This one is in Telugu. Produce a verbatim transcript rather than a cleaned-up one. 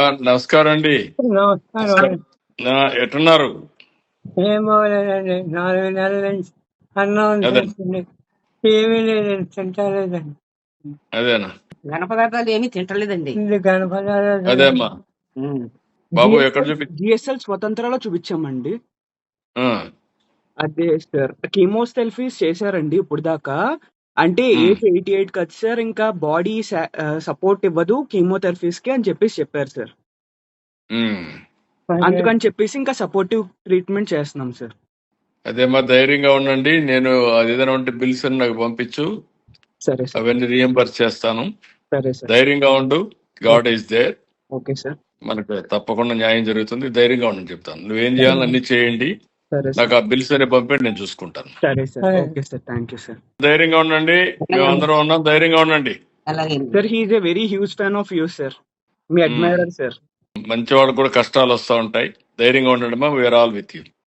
నమస్కారం అండి. నమస్కారం నమస్కారం. అండి. ఆ, ఎట్టున్నారు? ఏం బాగోలేదండి. నాలుగు నెలల నుంచి అన్నం అదే తింటుంది. ఏమీ లేదండి, తింటలేదండి. అదేనా ఘన పదార్థాలు ఏమీ తింటలేదండి. ఇది కనపడాలి. అదేమ్మా ఉమ్. బాబు ఎక్కడ జిఎస్ఎల్ చూపి జిఎస్ఎల్ స్వతంత్రాలో చూపించామండి. ఆ, అదే సార్, కీమోథెరపీస్ చేశారండి ఇప్పుడు దాకా. అంటే ఉమ్, ఏజ్ ఎయిటీ ఎయిట్ కదా సార్, ఇంకా బాడీ సపోర్ట్ ఇవ్వదు కీమోథెరపీస్ కి అని చెప్పేసి చెప్పారు సార్. ఉమ్. అందుకని చెప్పేసి ఇంకా సపోర్టివ్ ట్రీట్మెంట్ చేస్తున్నాం సార్. అదేమ్మా ధైర్యంగా ఉండండి. నేను అది ఏదైనా ఉంటే బిల్స్ అని నాకు పంపించు, సరే సార్. అవన్నీ రియంబర్స్ చేస్తాను. సరే సార్. ధైర్యంగా ఉండు. God is there. Okay sir. మనకు తప్పకుండా న్యాయం జరుగుతుంది. ధైర్యంగా ఉండని చెప్తాను. నువ్వేం చేయాలని అన్ని చేయండి. సరే నాకు సార్. ఆ బిల్స్ అనే పంపండి, నేను చూసుకుంటాను. సరే సార్. సరే. Okay sir. Thank you sir. ధైర్యంగా ఉండండి. మేము అందరం ఉన్నాం. ధైర్యంగా ఉండండి. అలాగే sir he is a very huge fan of you sir. మీ ఉమ్. Admirer sir. మంచి వాళ్ళకు కూడా కష్టాలు వస్తూ ఉంటాయి. ధైర్యంగా ఉండండి మా, వీఆర్ ఆల్ విత్ యూ.